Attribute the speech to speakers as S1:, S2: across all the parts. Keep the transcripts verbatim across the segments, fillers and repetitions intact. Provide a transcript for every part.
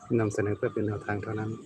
S1: นำเสนอเพื่อเป็นแนวทางเท่านั้น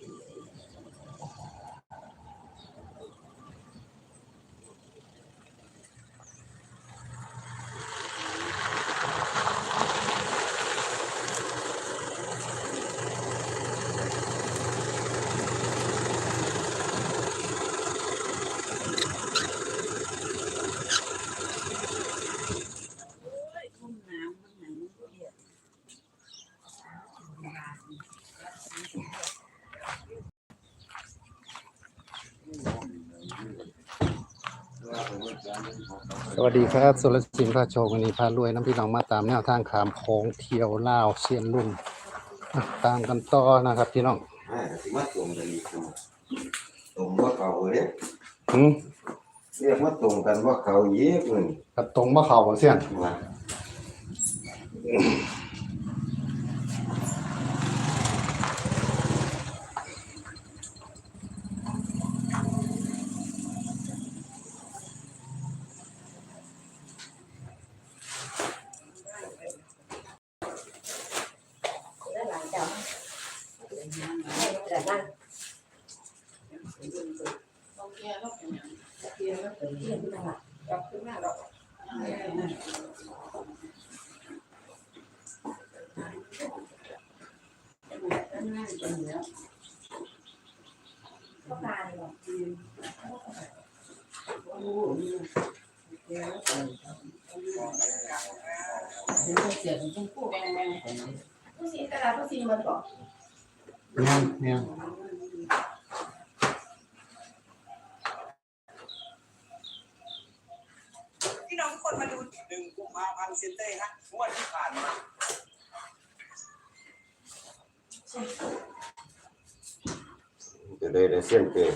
S1: สวัสดีครับสุรศิลป์พาโชควันนี้พารวยน้ำพี่น้องมาตามแนวทางขามโค้งเที่ยวลาวเชียนรุ่นตามกันต่อนะครับพี่น้อง
S2: อ่าสิมาตรงกันอีกตรงว่าเขาเนี่ย
S1: อืม
S2: เรียกว่าตรงกันว่าเขาเยอะเลย
S1: กับตรงว่าเขาเสี้ยนเนี่ยเนี่ย
S3: พี่น้องทุกคนมาดูหนึ่งกุมภาพันธ์เซนเต้ฮะงวดที่ผ่านมา
S2: จะได้ได้เส้นเตะ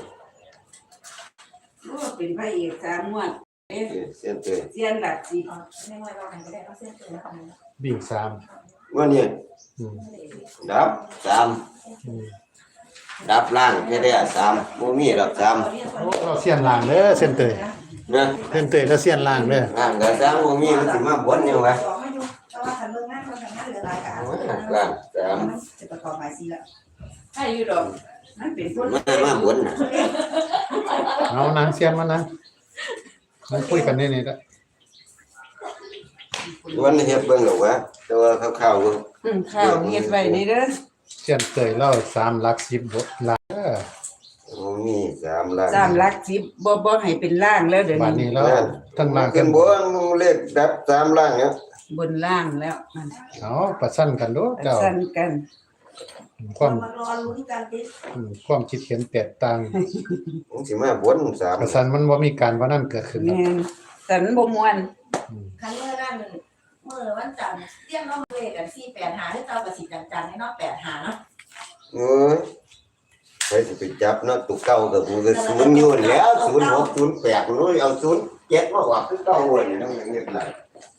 S4: ก็เป็นพระเอกสามงวดเอ๊ะ
S2: เส้นเตะ
S4: เซียนหลักสิ
S5: ไม่ว่าเราไหนก็ได้เอาเส้นเตือนแล้วกันนะ
S1: บิ่งสาม
S2: วันนี้ดับสามดับล่างแค่ได้สามโมมีดับสาม
S1: เราเสี้ยนล่างเด้อเส้นเตย
S2: นะ
S1: เส้นเตยแล้วเสี้ยนล่างเด้อ
S2: ล่างกับสามโมมีมันสิมาบนยังไง
S5: แต่ว่าทำเรื่องงานคนทำงานเหลือหลายกับ
S2: ล่างสาม
S5: จะประกอบหมายสีละ
S4: ใช่อยู่ดอกมันเป็นคน
S2: มามาบนนะ
S1: เอานางเสี้ยนมานะมาคุยกันนี่นี่ละ
S2: วันนี้เฮ็ดเบิ่งหรอกวะแต่ว่าข้าวๆก็
S4: อืมข้าวเฮ็ดไว้นี่เด้อ
S1: เสี้ยนเตยเล่าสามหลักสิบบทล่างเด้อ
S2: โมมีสามล่าง
S4: สามหลักสิบบ่บ่ให้เป็นล่างแล้วเดี๋ยว
S1: วันนี้แล้วทั้งล่าง
S2: ขึ้นบนเลขดับสามล่างเนี่ย
S4: บนล่างแล้วมัน
S1: เอาประชันกันดูเจ้า
S4: สั่นกัน
S1: ความ
S5: มารอลุ้นกันดิ
S1: ความคิดเห็นแตกต่าง
S2: มันสิมาบนสาม
S1: ประชันมันบ่มีการว่านั่นเกิดขึ้น
S4: แม่นแต่มันบ่ม่วน
S5: ครั้งเมื่อนั่นเมื่อวันจันทร์เรียกน้องเวกันสี่แปดหาให้เจ้ากับสิจันๆให้น้องแปดหาเนาะ
S2: เออไปสิไปจับเนาะตุกเก่ากับกูก็ศูนย์อยู่แล้วศูนย์หกศูนย์แปดนู้นเอาศูนย์เจ็ดมาว่าคือเก่าเลยนั่นอย่างเงี้ยไร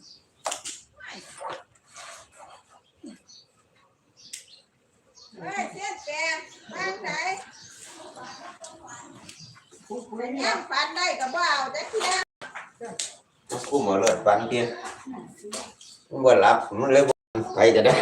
S5: เฮ้ยเสียแปดบ้านไหนย่างฟันได้กับว่าเอาแต่ที่นั่น
S2: กูมาเลิศฟันเตี้ยมันว่าหลับมันเลยไปจะได้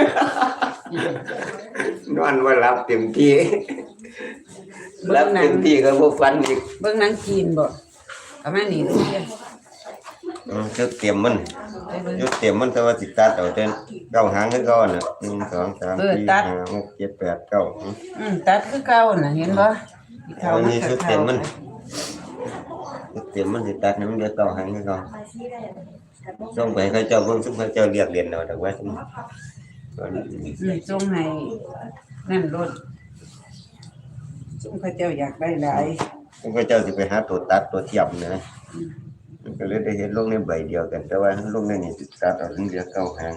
S2: นอนว่าหลับเต็มที่หลับเต็มที่ก็บ่ฟันอีก
S4: เบิ่งหนังจีนบ่ประมาณนี้เด้อ
S2: อือจุดเต็มมันจุดเต็มมันแต่ว่าสิตัดเอาแต่เก้าหางคือเก่าน่ะหนึ่ง สอง สาม สี่ ห้า หก เจ็ด แปด เก้า
S4: อืมตัดคือเก่าน่ะเห็นบ่
S2: เขามันจุดเต็มมันจุดเต็มมันสิตัดมันจะเก้าหางคือเก่าส่งไปให้เขาเจ้าเบิ่งซุมเขาเจ้าเรียกเรียนเอาดอกว่าซุม
S4: อืมส่งให้นั่นรถซุมเขาเจ้าอยากได้หลาย
S2: ซุมเขาเจ้าสิไปหาตัวตัดตัวเทียมนะก็เลยได้เห็นลงในใบเดียวกันแต่ว่าลงในนี้สิตัดเอาถึงเดียวเก้าหาง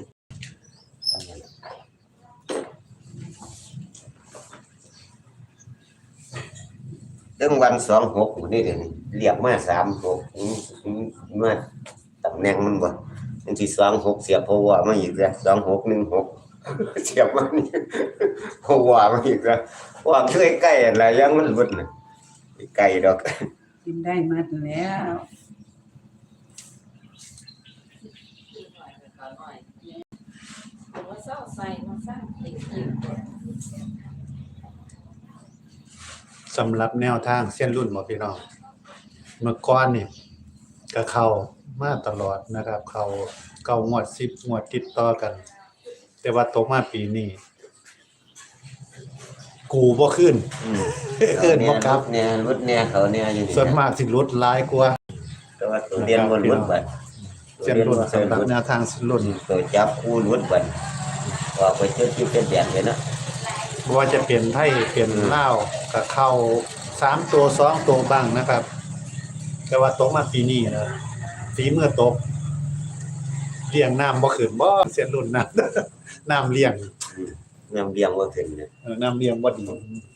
S2: เรื่องวันสองหกนี่เดี๋ยวเรียกมาสามหกมาตำแหน่งมันบ่มันสิสองหกเสียบเพราะว่ามาอีกแล้วสองหกหนึ่งหกเสียบมานี่เพราะว่ามาอีกแล้วว่ามันใกล้ๆอะไรยังมันบ่น่ะไกลดอก
S4: กินได้หมดแล้ว
S5: ว่าเศร้าใส่มาสร้างติด
S1: สำหรับแนวทางเส้นรุ่นบ่พี่น้องเมื่อก่อนนี่ก็เข้ามาตลอดนะครับ เข้าเก้างวดสิบงวดติดต่อกัน แต่ว่าตกมาปีนี้กูบ่ขึ้น
S2: อืม
S1: เอิ้นบ่กลับ
S2: เนี่ยรุดเนี่ยเขาเนี่ยอยู่นี่
S1: ส่วนมากสิลดหลายกว่า
S2: แต่ว่าตัวเรียนบ่รุดบัด
S1: เส้นรุ่นสำหรับแนวทางเส้นรุ่น
S2: ตัวจับคู่รุดบัดว่าไปเจอที่เป็นแบบนี้นะ
S1: บ่ว่าจะเป็นไทยเป็นลาวก็เข้าสามตัวสองตัวบ้างนะครับ แต่ว่าตกมาปีนี้นะฝีมือตกเลี้ยงน้ำบ่ขึ้นบ่เส้นรุ่นนั้น น้ำเลี้ยง
S2: นำเรียงว่าขึ้นเนี่ย
S1: เออน้ำเลี้ยงบ่ดี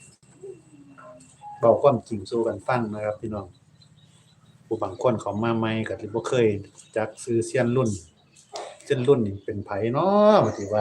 S1: บอกความจริงสู่กันฟังนะครับพี่น้องผู้บางคนเขามาใหม่ก็สิบ่เคยจักชื่อเซียนรุ่นเซียนรุ่นนี่เป็นไผเนาะว่าสิว่า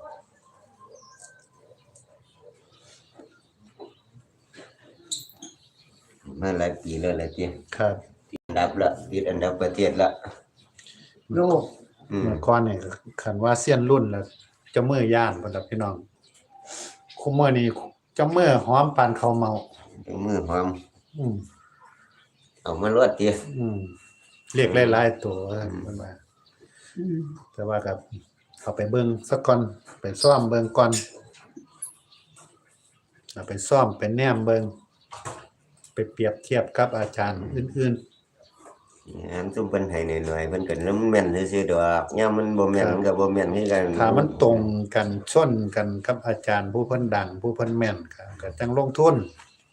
S2: มาหลายปีแล้วแหละที่
S1: ครับ
S2: อันดับละติดอันดับประเทศละ
S4: โลก
S2: อืม
S1: เมื่อก่อนนี่คันว่าเซียนรุ่นแล้วเจ้ามือย่านพุ่นล่ะพี่น้องคุมื้อนี้เจ้ามือหอมปานข้าวเมา
S2: เป็นมือหอม
S1: อืม
S2: เอามารวดติ
S1: อืมเรียกหลายๆตัวว่าซั่นเพิ่นว่า
S4: อืม
S1: แต่ว่าก็เอาไปเบิ่งสักก่อนไปซ่อมเบิ่งก่อนเอาไปซ่อมไปแนมเบิ่งไปเปรียบเทียบกับอาจารย์อื่น
S2: อันซุ่มเพิ่นให้หน่อยๆเพิ่นก็น้ำแม่นซื่อๆดอกยามมันบ่แม่นมันก็บ่แม่นคือกัน
S1: ๆถ้ามันตรงกันชนกันกับอาจารย์ผู้เพิ่นดัง ผู้เพิ่นแม่นก็ก็จังลงทุน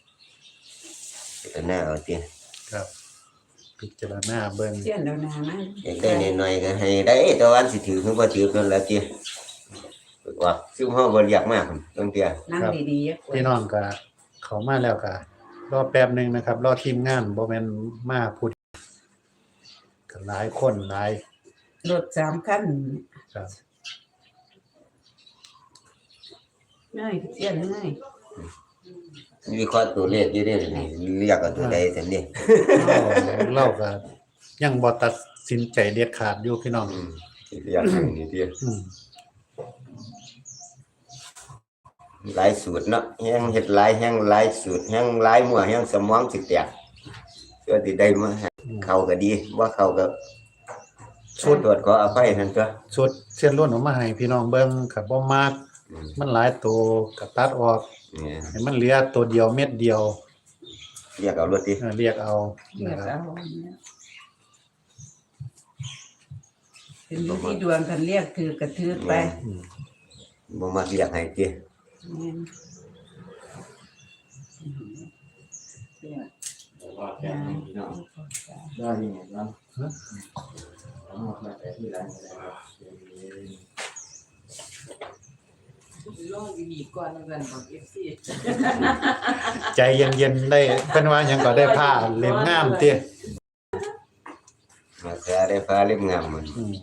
S2: ก็น่าเอาติ
S1: ครับ พิจารณาเบิ่ง
S4: เสี้ยนแล้วนามา
S2: อยากได้หน่อยๆก็ให้ได้แต่ว่าอันสิถือคือบ่ถือนั่นแหละติว่าซุ่มเฮาบ่เรียกมากบางเที่ย
S4: นั่งดีๆอะ
S1: พี่น้องก็เข้ามาแล้วก็รอแป๊บหนึงนะครับ รอทีมงานบ่แม่นมาพูดก็หลายคนหลาย
S4: รถสามคัน
S1: ครับ
S4: ง่ายเสี้ยนง่าย
S2: วิเคราะห์ตัวเลขอยู่เด้นี่เรียกเอาตัวใดซั่นนี่
S1: เราเราก็ยังบ่ตัดสินใจเด็ดขาดอยู่พี่น้อง
S2: อืมเรียกอันนี้ติ
S1: อืม
S2: หลายสูตรเนาะแฮงเฮ็ดหลายแฮงหลายสูตรแฮงหลายมั่วแฮงสมองสิแตกเพื่อสิได้มาให้เข้าก็ดีบ่เข้าก็ชุดตรวจขออภัยนั่นตัว
S1: ชุดเส้นล้วนออกมาให้พี่น้องเบิ่งก็บ่มัก
S2: อืม
S1: มันหลายตัวก็ตัดออก
S2: เนี่ย
S1: ให้มันเหลือตัวเดียวเม็ดเดียว
S2: เรียกเอารถติ
S1: เออเรียกเอา
S4: เลือ
S1: นะ
S4: ด
S1: ครับ
S4: เอาเนี่ยเป็นวิธีดวงกันเรียกถือกระทืบไป
S1: อืม
S2: บ่มักเรียกให้ติ
S4: แม่น
S6: ได้ยังไงบ้างเอามาแต่ที่ร้านอะไรครับ
S7: ลงอยู่นี่ก่อนแล้วกันบอก เอฟ ซี
S1: ใจเย็นๆได้เพิ่นว่าหยังก็ได้ผ้าเล่มงามติ
S2: มาแท้ได้ฟ้าเล่มงามมัน
S1: อืม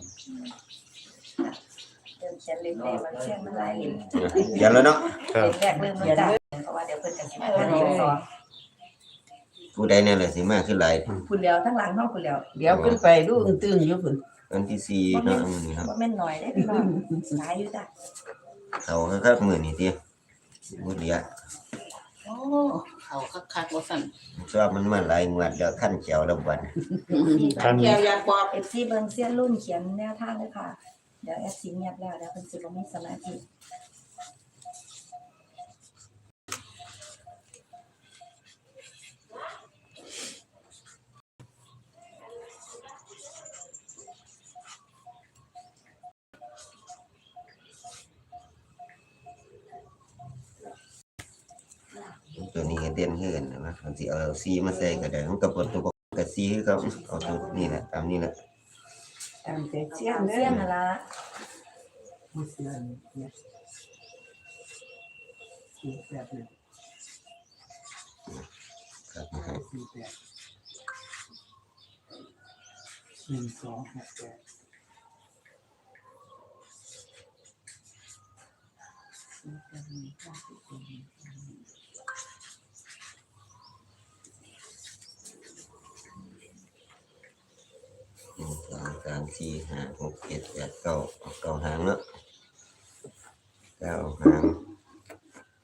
S5: เดินเขียนเล่มแรกมันเขียนมันหลายเล่ม
S2: เดี๋ยวแล้วเนาะ
S1: ครับ
S5: เล่มแรกลืมมันจ้ะเพราะว่าเดี๋ยวเพิ่นจะสิมาเล่มสอง
S2: ผู้ใดเนี่ยแหละสิมาคือหลาย
S5: พุ่นแล้วทั้งหลังเฮาพุ่นแล้ว
S4: เดี๋ยวขึ้นไปดูอึ้งตึงอยู่พุ่น
S2: วันที่สี่เนาะมื้อนี้เนาะ
S5: บ่แม่นน้อยเด้พี่น้องหลายอยู่จ้ะ
S2: เขาคักๆมื้อนี้ติบ่เดีย
S7: โอ้เขาคักๆว่าสั่น
S2: ชอบมันมาหลายงวดแล้วคั่นแก้วแล้วบัด
S1: คัน
S7: แก้วอยากบอก
S5: เอฟซีเบิ่งเสี้ยนรุ่นเขียนแนวทางเลยค่ะ เดี๋ยวแอฟซีเงียบแล้วเดี๋ยวเพิ่นสิบ่มีสมาธิ
S2: ตัวนี้ก็เด่นคือกันนะมันสิเอาสีมาใส่ก็ได้มันก็บ่ตัวก็สีคือเขาเอาตัวนี้แหละตามนี้แหละ
S4: ตามแต่เสี้ย
S5: เสี้ย
S4: น
S5: น
S4: เด้อ
S5: เสี้ยนนั่นล่ะ
S4: บ่เสี้ยนเนี่ยสี่แปดหนึ่ง
S2: ครับ
S4: สี่แปดหนึ่งสองหกแปด
S2: หนึ่งสองสามสี่ห้าหกเจ็ดแปดเก้าเอาเก้าหางเนาะเก้าหาง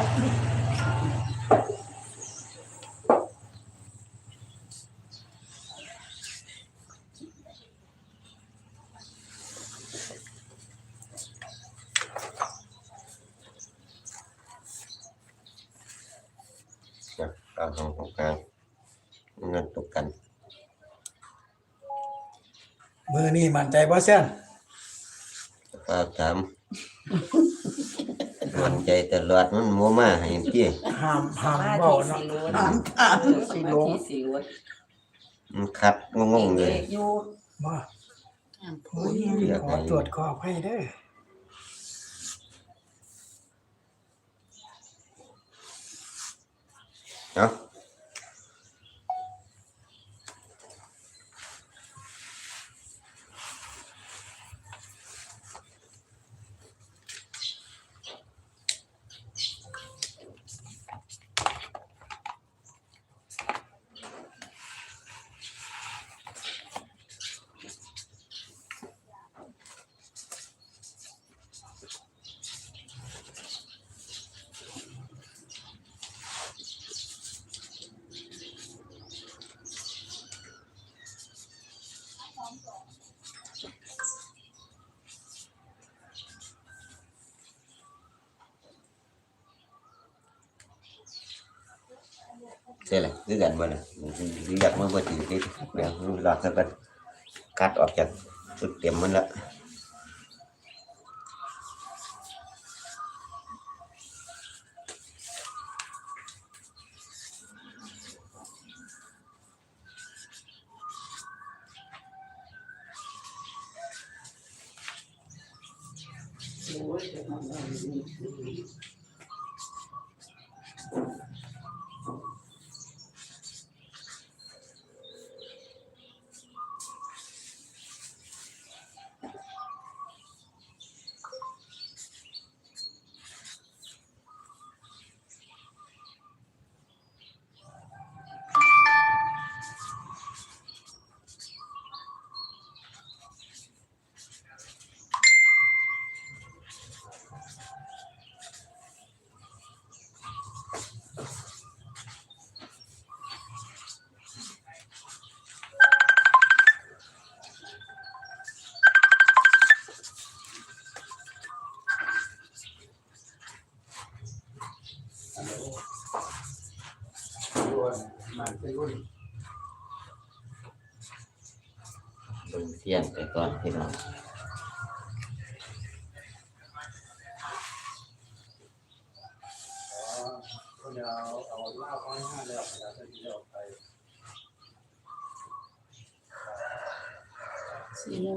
S2: เอาของของกลางเงินตกกัน
S8: มือนี่มั่นใจบ่เซียน
S2: ก็ถามมันใจตลอดมันมัวมาให้พี่
S8: ห้ามห้าม
S4: มา
S8: เว้า
S4: ที่
S8: เนาะ
S4: สีล้วน
S8: ห้ามห้ามสิหลง
S4: มาที่สีล้วน
S2: มันคัดงงๆเลย
S4: เด็กอยู่
S8: บ่
S4: อ่าน
S8: โอ้ยขอตรวจขอให้เด้อ
S2: เนาะใช่แหละคือกันบ่น่ะเรียกมันบ่ถึงที่เดี๋ยวรอสักกันคัดออกจากชุดเต็มมันละเบิ่งเทียนไปก่อนพี่น้อง
S4: สีหนึ่ง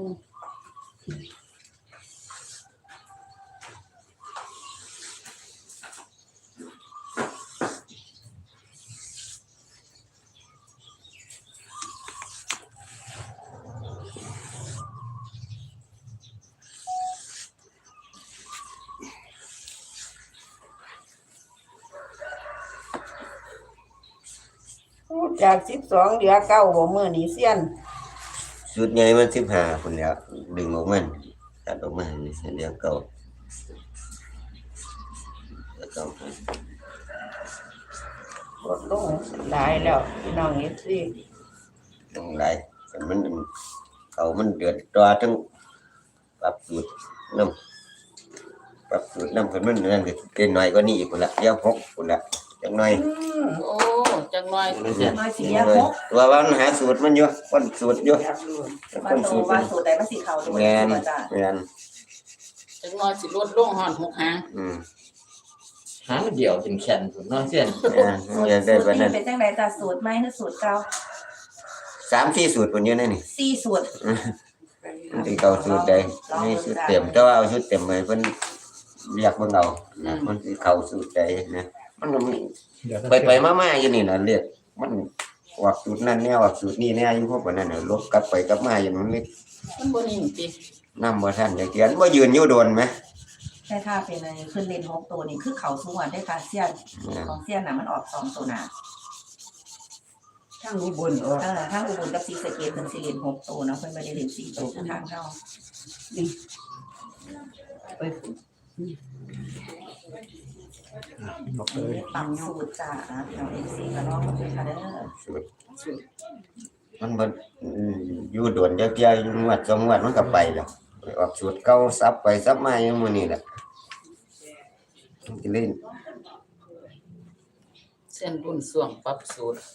S4: จากสิบสองเหลือเก้าบ่มื้อนี้เซียน
S2: ชุดใหญ่มันสิบห้าคนแล้วดึงออกมันตัดออกมานี่เส้นเดียวเก่าแล้วก็
S4: ลดลงหลายแล้วพี่น้องเอฟซี
S2: ต้องหลายแต่มันเขามันเดือดตัวทั้งปรับสูตรน้ำปรับสูตรน้ำคนมันนั่นก็เกินหน่อยก็นี่อีกคนละเดี๋ยวหกคนละจังหน่อย
S4: โอ้จังน้อย
S5: น้อยสีหก
S2: ตัวว่ามันหาสูตรมันอยู่คนสูตรอยู่
S5: ว่า
S2: คน
S5: โต
S2: สูตร
S5: ว่าสูตรใดมันสีขาวตัว
S2: แมน
S5: จ้ะ
S2: แมน
S4: จังน้อยสิลดลงฮอดหกหาง
S2: อืม
S6: หางเดียวเป็นแขนผมเนาะเส้น
S2: แมน
S5: สูต
S2: อยาก
S5: ร
S2: ได้แบบ
S5: นี้
S2: นั้น
S5: เป็นจังไดจ้ะสูตรใหม่หรือสูตรเก่า
S2: สามสี่สูตรคนเยอะนั่นนี่
S5: สี่สูตร
S2: มันสิเก่าสูตรใดนี่สูตรเต็มแต่ว่าเอาสูตรเต็มไปเพิ่นเรียกเบิ่งเอานะมันสิเข้าสูตรใดนะมันก็มี
S1: เดี๋ยว
S2: ไปไปมาๆอยู่นี่น่ะเรียกมันออกสูตรนั้นแนวออกสูตรนี้แนวอยู่พวกนั้นน่ะลบกลับไปกลับมาอยู่มันเลย
S4: มันบ่นิ่งติ
S2: นำบ่ทันจักเทียนบ่ยืนอยู่โดนไหม
S5: แต่ถ้าเป็นอะไรขึ้นเลนหกตัวนี่คือเขาสูงกว่าได้ค่ะเซียนของเซียนน่ะมันออกสองตัวหน้า
S4: ทั้งอุบลออก
S5: เออทั้งอุบลกับศรีสะเกษเป็นสิเลนหกตัวเนาะเพิ่นบ่ได้เล่นสี่ตัวคือทางเฮา
S4: ไป
S1: บอกเลย
S5: ปรับสูตรจ้าเอาเอซีก็ลองดูค่ะเด้อ
S2: สูตรสูตรมันบ่อืมอยู่โดนจักเที่ยอยู่งวดสองงวดมันก็ไปแล้วไปออกสูตรเก่าซับไปซับมาอยู่มื้อนี้แหละมันก็เลย
S7: เส้นรุ่นส่วงปรับสูตร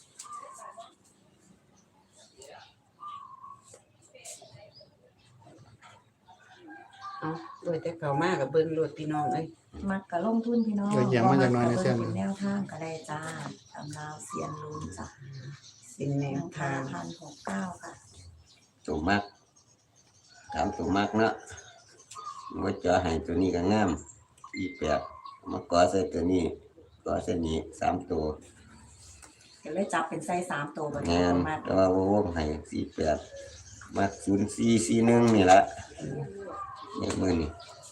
S4: เอาโดยแต่เขามากับเบิ่งรถพี่น้องเอ้ย
S5: มักกะลงทุนพี่น้อง
S1: เออยังมันจักหน่อยในเส้น
S5: เป็นแนวทางก็ได้จ้าตำราวเซียนลุ้นจ้ะ
S4: เป็นแน
S5: แน
S4: ว
S5: ว
S4: ทา
S5: ทาง งพันหกเก้าค่ะ
S2: ตัวมักถามตัวมักเนาะว่าจะให้ตัวนี้ก็งามอีแปดมาก่อใส่ตัวนี้ก่อใส่นี้สามตัว
S5: เดี๋ยวเลยจับเป็นไส้สามตัวแบบ
S2: งา
S5: นี้
S2: น
S5: มา
S2: แต่ว่าวงให้สี่แปดมักศูนย์สี่สี่หนึ่งนี่ละเนี่ยมือนี่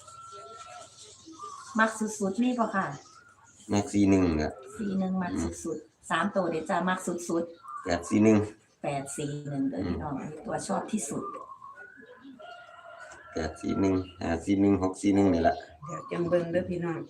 S5: มักสุดๆนี่ป่ะค่ะ
S2: มักสี่หนึ่งอ่ะ
S5: สี่หนึ่งมักสุดๆสามตัวเดี๋ยวจะมักสุด
S2: แปดสี่หนึ่ง
S5: ๆแปดสี่หนึ่งเดี๋ยวพี่น้องมีตัวชอบที่สุด
S2: แปดสี่หนึ่งห้าสี่หนึ่งหกสี่หนึ่งนี่ละ
S4: เดี๋ยวจังเบิ่งเด้อพี่น้อง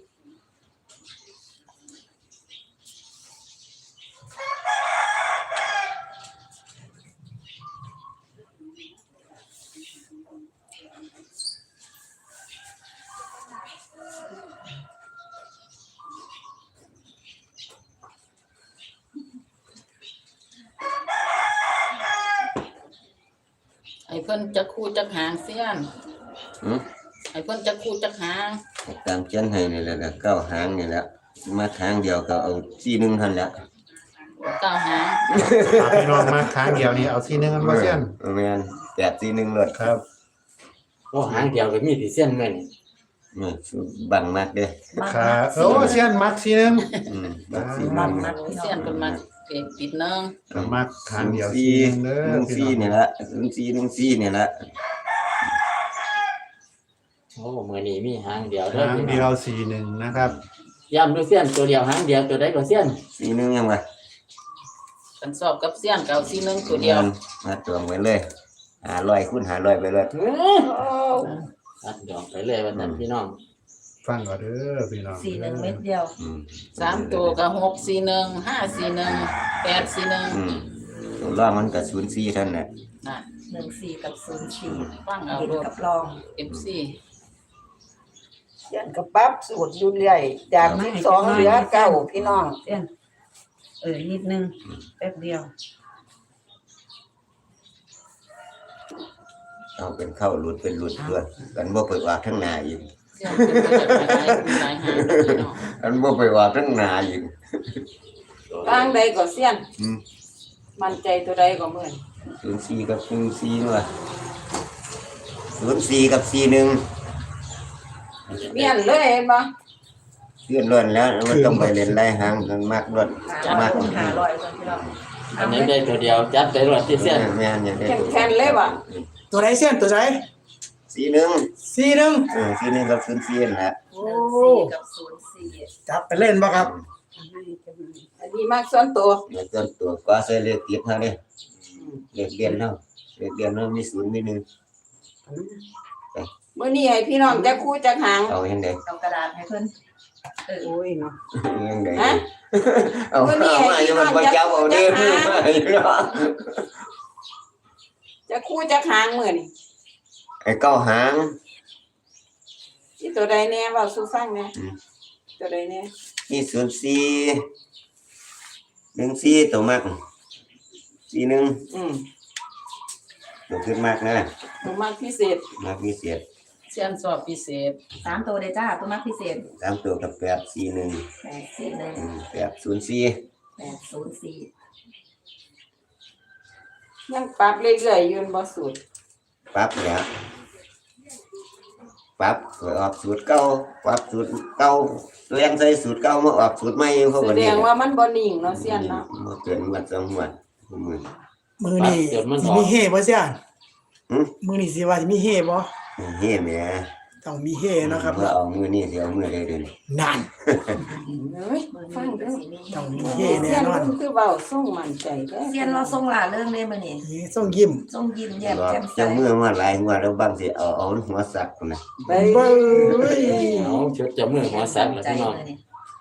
S7: ไอ้เพิ่นจะคู่จักหางเสี้ยน
S2: หืม
S7: ไอ้เพิ่นจะคู่จักหาง
S2: ตามเช่นให้นี่แหละก็เก้าหางนี่แหละมาทางเดียวก็เอาสี่หนึ่งทันแหล้ว
S7: เก้าหาง
S1: พาพี่น้องมาค้างเดียวนี่เอาที่นึงกันมาเส้น
S2: แมนแปดสี่หนึ่งเลย
S1: ครับ
S6: โอ้หางเดียวก็มีที่เส้นแม่นี่
S2: นี่บังมากเด้อ
S5: มัก
S1: ครับ
S5: มัก
S1: โอ้เส้นมักที่นึง
S2: อืมบังสี่ห
S5: มั
S2: นึ่
S5: ก
S2: ง
S5: มักพี่น้
S7: เสี้ย
S5: อน ง
S7: เพิ่นมาเก็บปิดเนึง
S1: ก็มักค้างเดียว
S2: สี่
S1: ที่นึงเด้
S2: หนึ่
S1: อง พี่
S2: สี่
S1: น้อง
S2: นี่ละศูนย์สี่หนึ่งสี่นี่ละ
S6: โอ้มื้อนี้มีหางเดียวเด้อ
S1: ค้าง
S6: พี่
S1: เดี
S6: น้
S1: ย
S6: อ
S1: ว
S6: ง
S1: สี่หนึ่งนะครับ
S6: ย้ำดูเส้นตัวเดียวหางเดียวตัวใดก็เส้น
S2: สี่หนึ่งยังไง
S7: กันสอบกับเสี้ยนเก้าสี่หนึ่งตัวเดียว
S2: มาตวงไว้เลยหาร้อยคูณหาร้อยไปเลย
S6: ตัดดอกไปเลยว่าซั่นพี่น้อง
S1: ฟังก่อนเด้อพี่น้อง
S5: สี่หนึ่งเม็ดเดียว
S2: อืม
S7: สามตัวก็หกสี่หนึ่งห้าสี่หนึ่งแปดสี่หนึ่ง
S2: อืมตัวล่างมันก็ศูนย์สี่เท่านนแหละ
S7: น่ะ
S5: หนึ่งสี่กับศูนย์สี่
S7: ฟังเอา
S5: เห็น
S7: โลด
S5: กับลอง
S7: เอฟซี
S9: ยันกระปรับสูตรอยู่เรื่อยจากสิบสองเหลือเก้าพี่น้อง
S4: เสี้ยนเออนิดนึงแป๊บเดียว
S2: เอาเป็นเข้าหลุดเป็นหลุดด้วยกันบ่ไปว่าทั้งหนาอีก
S7: เสี้ยนเพิ่นก็จะไปหลายหลายหางเด้อพี่น้อง
S2: กันบ่ไปว่าทั้งหนาอีก
S9: ทางใดก็เสี้ยน
S2: อืม
S9: มั่นใจตัวใดก็เหมือน
S2: ศูนย์สี่กับหนึ่งสี่นู่นล่ะศูนย์สี่กับสี่หนึ่ง
S9: เมียนเลยเห็นบ่
S2: เลื่อนล้วนแล้วมันต้องไปเล่นไล่หางกันมากล้วน
S5: หาม
S2: าก
S5: คูณหาร้อยก่อนพี่น้อง
S6: อันนี้ได้ตัวเดียวจัดไปรวดที่เส้น
S2: แม่นอย่างนี้
S9: แข็งๆเลยว่ะ
S8: ตัวไหนเส้นตัวไหน
S2: สี่หนึ่ง
S8: สี่หนึ่ง
S2: เออสี่หนึ่งกับศูนย์สี่นั่นแหละ
S5: หนึ่งสี่กับศูนย์สี่
S8: จับไปเล่นบ่ครับ
S9: อันนี้มากส่วนตัว
S2: เดี๋ยวต้นตัวก็ใส่เลขติดเท่านี้เลขเรียนเท่าเลขเรียนเท่ามีศูนย์มีหนึ่ง
S9: มื้อนี้ให้พี่น้องจักคู่จักหาง
S2: เอายังไง
S5: เอากระดาษให้เพิ่น
S4: โอ้ยเนาะ
S2: ยังไง
S9: ฮะ
S2: เอา
S9: มื้อนี้
S2: เอา
S9: ให้
S2: มา
S9: พี่
S2: อย่า
S9: น้
S2: มั
S9: อน ง
S2: บ่
S9: จัก
S2: จับ
S9: คู่
S2: เอา
S9: จั
S2: เด้
S9: ก
S2: อ
S9: หางจักคู่จักหางมื้อนี้
S2: ไอ้เก้าหาง
S9: ที่ตัวใดแน่เว้าสู่ฟังแน่
S2: อืม
S9: ตัวใดแน่
S2: มีศูนย์สี่หนึ่งสี่ตัวมากสี่หนึ่ง
S9: อืม
S2: ตัวขึ้นมากนะ
S9: ตัวมากพิเศษ
S2: มากมีเสียด
S7: เสี้ยนสอบพิเศษ
S5: สามตัวเลยจ้าตัวมักพิเศษ
S2: สามตัวกับแปดสี่หนึ่ง
S5: แปดสี่หนึ่ง
S2: อืมแปดศูนย์สี่
S5: แปดศูนย์สี่
S9: ยังปรับเรื่อยๆอยู่บ่สูตร
S2: ปั๊บเนี่ยปั๊บไปออกสูตรเก่าปั๊บสูตรเก่าตัวยังใส่สูตรเก่ามาออกสูตรใหม่เขา
S9: แส
S2: ก็
S9: ด
S2: นี่
S9: งว่ามันบ่นิ่งเนาะเสี้ยนเนาะ
S2: มาเกินวัดสองวัดมือ
S8: มือนี่สิมีเฮ่บ่เส้น
S2: หืม
S8: มือนี่สิว่าสิมีเฮ่บ่
S2: เฮ้แม่
S8: ทต้องมีเฮเนาะครับ
S2: เมื่อเอามือนี่สิเอามือได้เด้อ
S8: นั่น
S9: เอ้ยฟังเด้อ
S8: ต้องมีเฮแน่
S9: เสียน
S8: นอน
S9: รุ่นคือเว้าส่งมั่นใจเด้อ
S5: เซียนเราทรงหล่าเรื่องเลยมื้อนี้
S8: นี่ต้องยิ้ม
S5: ทรงยิ้มแย้ม
S2: บอก
S5: แจ่มใส
S2: จะมือมาหลายหัวแล้วบางสิเอาเอาหัวสักพุ่นน่ะ
S9: ไป
S8: เบ้ย
S6: เอาชุดจะมือหัวสักแล้ว
S5: ใจ
S6: พี่น้อง
S5: มื้อนี้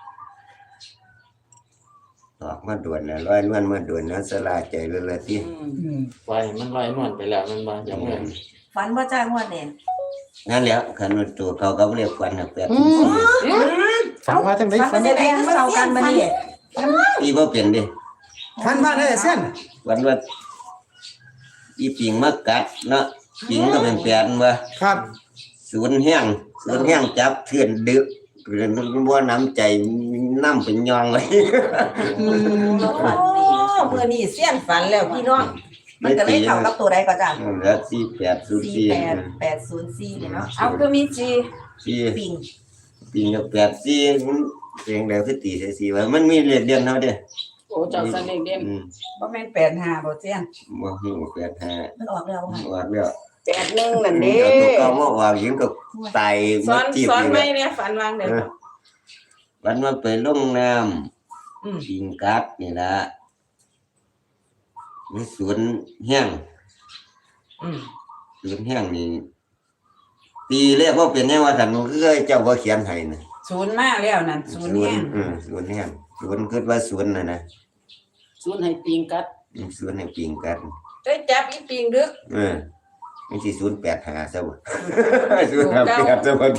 S2: ออกมาด่วนน่ะร้อยนวลมาด่วนแล้วสลาใจเลยละติ
S9: อืม
S8: อืม
S6: ไว้มันลอยนวลไปแล้วมันบ่อย่ามือ
S5: ฝันบ่จ้างวดนี่
S2: นั่นแหละคันว่าตัวเขาก็เรียกควันน่ะแปด
S1: ฝันว่าจังได๋
S5: ฝั
S1: ฝั
S5: น
S1: น
S5: จะได้เข้ากันมื้อนี้
S2: อีบ่เป็นเด้
S8: ท่านว่าได้เส้น
S2: วันว่าอีปิงมากัดเนาะปิงก็เป็นแปดว่า
S8: ครับ
S2: ศูนย์แห้งศูนย์แห้งจับเทือนดึกเรื่องบ่น้ำใจน้ำเป็นยองเลย
S8: อืม
S5: เราฝัน
S9: โอ้
S5: ดี
S9: มื้อนี้เสียนฝันแล้วพี่น้อง
S5: มันก็เลยเข้ากับตัวใดก็จ้ะ
S2: แล้วสี่แปดศูนย์
S5: สี่
S2: สี่
S5: แปดแปดศูนย์สี่นี่เนาะ
S9: เอาก็มีจี
S2: สี่
S5: ปิง
S2: ปิงกับแปดสี่มันเพียงแล้วคือตีใส่สี่ว่ามันมีเรียนเรียนเท่าเด้อ
S7: โอ้เจ้าสันเด็กเด่น
S2: อืม
S9: บ่แม่นแปดห้าบ่เสียน
S2: บ่ฮู้แปดห้า
S5: มันออกแล้วค่ะ
S2: ว่าแล้ว
S9: แปดหนึ่งนั่นเด้
S2: เอาตัวเก่ามาว่ายิงก็ตาย
S7: ส
S2: มา
S7: อน
S2: จีบ
S7: สอน
S2: อยู่
S7: ไหม
S2: แล้ว
S7: เนี่ยฝันวางเดี๋ยว
S2: วันมาไปลงน้ำ
S7: อืม
S2: ปิงกัดนี่ล่ะมีสวนแห้ง
S7: อืม
S2: สวนแห้งนี่ตีเรียกว่าเป็นยังว่าสันคือเจ้าว่าเขียนให้น่ะ
S9: ศูนย์มาแล้วนั่นศูนย์แห้ง
S2: อืมสวนแห้งสวนคิดว่าสวนน่ะนะ
S7: ส่วนให้ปิงกัด
S2: อืมสวนให้ปิงกัด
S9: ได้จับอีปิงดึก
S2: เออมันสิศูนย์แปดหาซะบ่ ศูนย์ห้าแปดซะบ่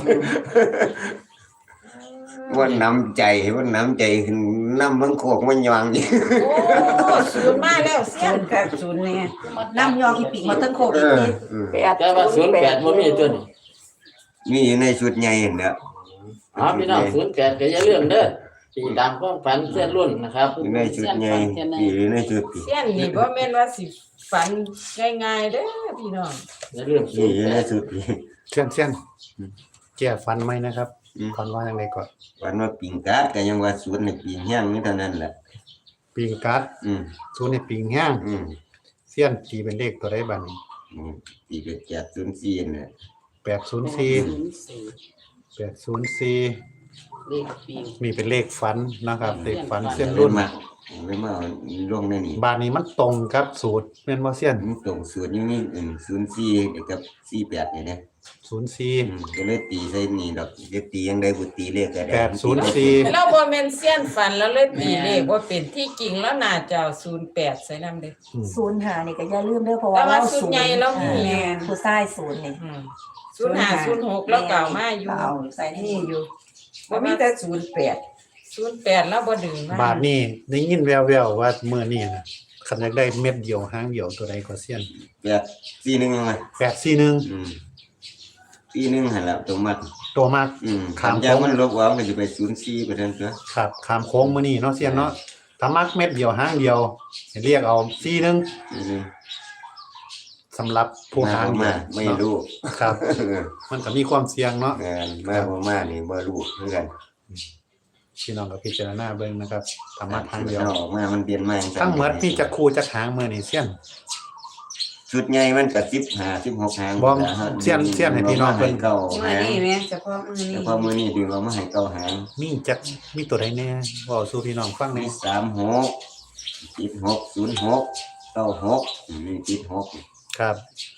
S2: ว่าน้ำใจว่าน้ำใจขึ้นน้ำมันโคกมันยองอยู่
S9: โอ้ศูนย์มาแล้วเสียนกับศูนย์เนี่ย
S5: น้ำยองอีปิงมาทั้งโคก
S2: เอ
S5: อีก
S2: อ
S5: นี่
S2: อืม
S9: แปด
S6: แต่ว่าศูนย์แปดบ่มีตัวนี้
S2: มีอยู่ในชุดใหญ่นั่นแหละ
S6: อ๋อพี่น้องศูนย์แปดก็อย่าลืมเด้อตีตามความฝันเส้นรุ่นนะครับ
S2: อยู่ในชุดใหญ่อยู่ในชุดที่
S7: เสี้ยนนี่บ่แม่นว่าสิฝันง่ายๆเด้อพี่น้อง
S6: อย่าลืมศู
S2: นี่
S6: นย์
S2: อยู่
S6: แป
S2: ใน
S6: ด
S2: ชุดที่
S1: เซียนเซียนแก้ฝันไหมนะครับ
S2: อืม
S1: ฝันว่าจังไดก่อน
S2: วันว่าปิงกัดก็ยังว่าสวนให้ปิงแห้งนี่เท่านั้นแหละ
S1: ปิงกัด
S2: อืม
S1: ศูนย์ในปิงแห้ง
S2: อืม
S1: เซียนตีเป็นเลขตัวใดบัดนี้
S2: อืมตีไปแปดศูนย์สี่น่ะ
S1: แปดศูนย์สี่
S7: ศูนย์สี่
S1: แปดศูนย์สี่
S7: เลขปิง
S1: มีเป็นเลขฝันนะครับเลขฝัน
S7: ฝัน
S1: เส้น
S2: รุ่
S1: รุ่
S2: น
S1: น
S2: มาเลยมาเอาลงในนี่
S1: บาทนี้มันตรงกับสูตรแม่นบ่เซียน
S2: มันตรงศูนย์อยู่นี่อืมศูนย์สี่กับสี่แปดนี่นะ
S1: ศูนย์สี่
S2: อืมก็เลยตีใส่นี่ดอกจะตียังได้บุตีเลขก็ได้
S1: แปดศูนย์สี่
S7: เราบ่แม่นเสี้ยนฝันแล้วเลยตีเลขว่าเป็นที่จริงแล้วน่าจะเอาศูนย์แปดใส่นำเด้อ
S5: ศูนย์หานี่ก็อย่าลืมเด้อเพราะว่า
S7: แต่ว่า
S5: เรา
S7: ศูนย์ใหญ่เรามี
S5: แม่นผู้ชายศูนย์นี่
S7: อืมศูนย์ห้าศูนย์หกแล้วเก่ามาอยู่
S5: เอาใส่ใน
S9: นี่
S5: นี่
S9: อยู่บ่มีแต่ศูนย์แปด
S7: ศูนย์แปดแล้วบ่ดึงมา
S1: บาทนี้ได้ยินแววๆว่ามื้อนี้นะคันอยากได้เม็ดเดียวหางเดียวตัวใดก็เซียน
S2: แปดสี่หนึ่งมา
S1: แปดสี่หนึ่ง
S2: อืมสี่หนึ่งหันละตัวมัด
S1: ตัวมาก
S2: อืม
S1: ขาม
S2: คำยามันลบออกก็จะไปศูนย์สี่ไปเท่านั้นเถอะ
S1: ครับขามโค้งมื้อนี้เนาะเซียนเนาะถ้ามักเม็ดเดียวหางเดียวให้เรียกเอาสี่หนึ่ง
S2: สี่หนึ่ง
S1: สำหรับผู้หางเดียว
S2: มาไม่รู้
S1: ครับ มันก็มีความเสี่ยงเนาะ
S2: งานมาบ่มานี่บ่รู้คือกัน
S1: พี่น้องก็พิจารณาเบิ่งนะครับถ้ามักหางเดียว
S2: ออกมามันเปลี่ยนมา
S1: ทั้งหมดมีจักคู่จักหางมื้อนี้เซียน
S2: ชุดใหญ่มันก็สิบห้า สิบหกหาง
S1: บ่เสี้ยนเสี้ยนให้พี่น้องเพิ่น
S2: เก่า
S9: มื้อ
S2: หาง
S9: นี้แม่เฉพาะมื้อนี้
S2: แต่พอมื้อนี้ดึงเอามาให้เก่าหาง
S1: มีจักมีตัวใดแน่เว้าสู่พี่น้องฟังแห
S2: มี
S1: น่
S2: สามหกติดหกศูนย์หกเก้าหกนี่ติดหก
S1: ครับ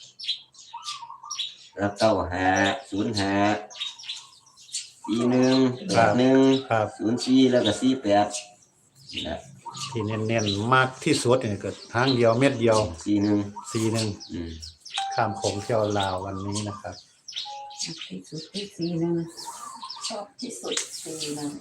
S2: แล้วเก้าห้าศูนย์ห้าสี่หนึ่งแปดหนึ่ง
S1: ครับ
S2: ศูนย์สี่แล้วก็สี่แปดนี่แหละ
S1: ที่เน้นๆมากที่สุดนี่ก็หางเดียวเม็ดเดียว
S2: สี่หนึ่ง
S1: สี่หนึ่ง
S2: อืม
S1: ข้ามโขงเที่ยวลาววันนี้นะครับ
S9: ที่สุดที่สี่หนึ่ง
S5: ชอบที่สุดสี่หนึ่ง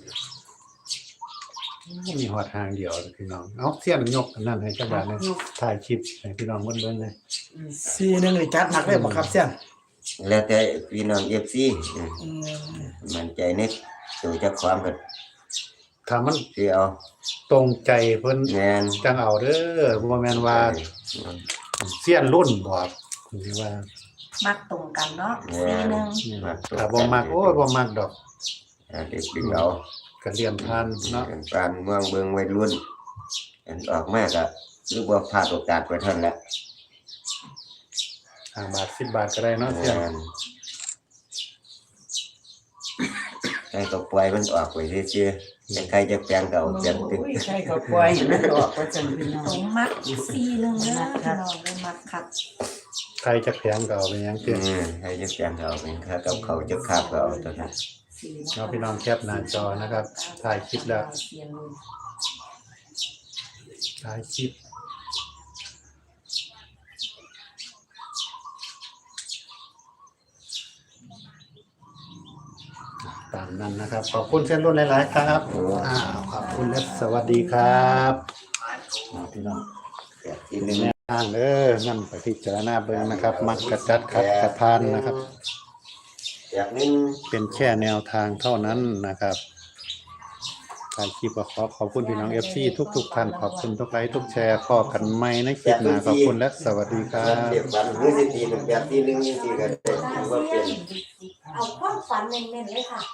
S1: มีหอดหางเดียวพี่น้องเอาเสี้ยนยกอันนั้นให้จักบาทนะถ่ายคลิปให้พี่น้องเบิ่งๆเลย
S8: สี่หนึ่งนี่จัดหนักเลยบ่ครับเส้น
S2: แล้วแต่พี่น้องเอฟซี
S9: อืม
S2: มันใจในตัวเจ้าความก็
S1: ถ้ามัน
S2: ที่เอา
S1: ตรงใจเพิ่น
S2: แงน
S1: จังเอาเด้อบ่แม่นว่าเสี้ยนรุ่นบอกคือว่า
S5: มักตรงกันเนาะ
S2: แง
S5: สี่
S2: น
S5: หนึ่ง
S1: ถ้าบ่มักโอ้ยบ่มักดอก
S2: เด็กดึงเอา
S1: ก็เรียนผ่านเนาะ
S2: ปานเมืองเบิ่งวัยรุ่นอันออกมาก็หรือว่าพลาดโอกาสไปเท่านั้นแหละ
S1: ห้าบาทสิบบาทก็ได้เนาะ
S2: แง
S1: เสี้ยน
S2: นใครก็ปล่อยมันออกไปเชื่อๆแต่ใครจะแปลงก็เอาเปลี่ยนติด
S4: โอ้ยใครก็ปล่อยให้มันออกว่าจังพี่น้อ
S5: ตรง งมักซีหนึ่งเด้อพี่น้องเลยมักคัก
S1: ใครจะแพงก็เอาไปยังเตี้ย
S2: อืมใครจะแปลงก็เอาเป็นค่ากับเขาจะคาบก็เอาตัวนั้น
S1: เอาพี่น้องแคปหน้าจอนะครับถ่ายคลิปแล้วถ่ายคลิปตามนั้นนะครับขอบคุณเส้นรุ่นหลายๆครับอ้าวขอบคุณและสวัสดีครับเอาพี่น้อง
S2: แบบที่หนึ่ง
S1: แนวทางเด้อนั่นไปพิจารณาเบิ่งนะครับ มักกระจัดขัดกระพานนะครับ
S2: แบบหนึง
S1: เป็นแค่แนวทางเท่านั้นนะครับถ่ายคลิปก็ขอขอบคุณพี่น้อง เอฟ ซี ทุกๆท่านขอบคุณทุกไลค์ทุกแชร์พอกันใหม่ในคลิปหน้าขอบคุณและสวัสดีครั
S2: แบบ
S1: บ
S2: เดียวกันหรือสิตีเป็นแบบที่หนึ่งนี่สิก็ได้ถือว่าเป็น
S5: เอาความฝันเน้นๆเลยค่ะ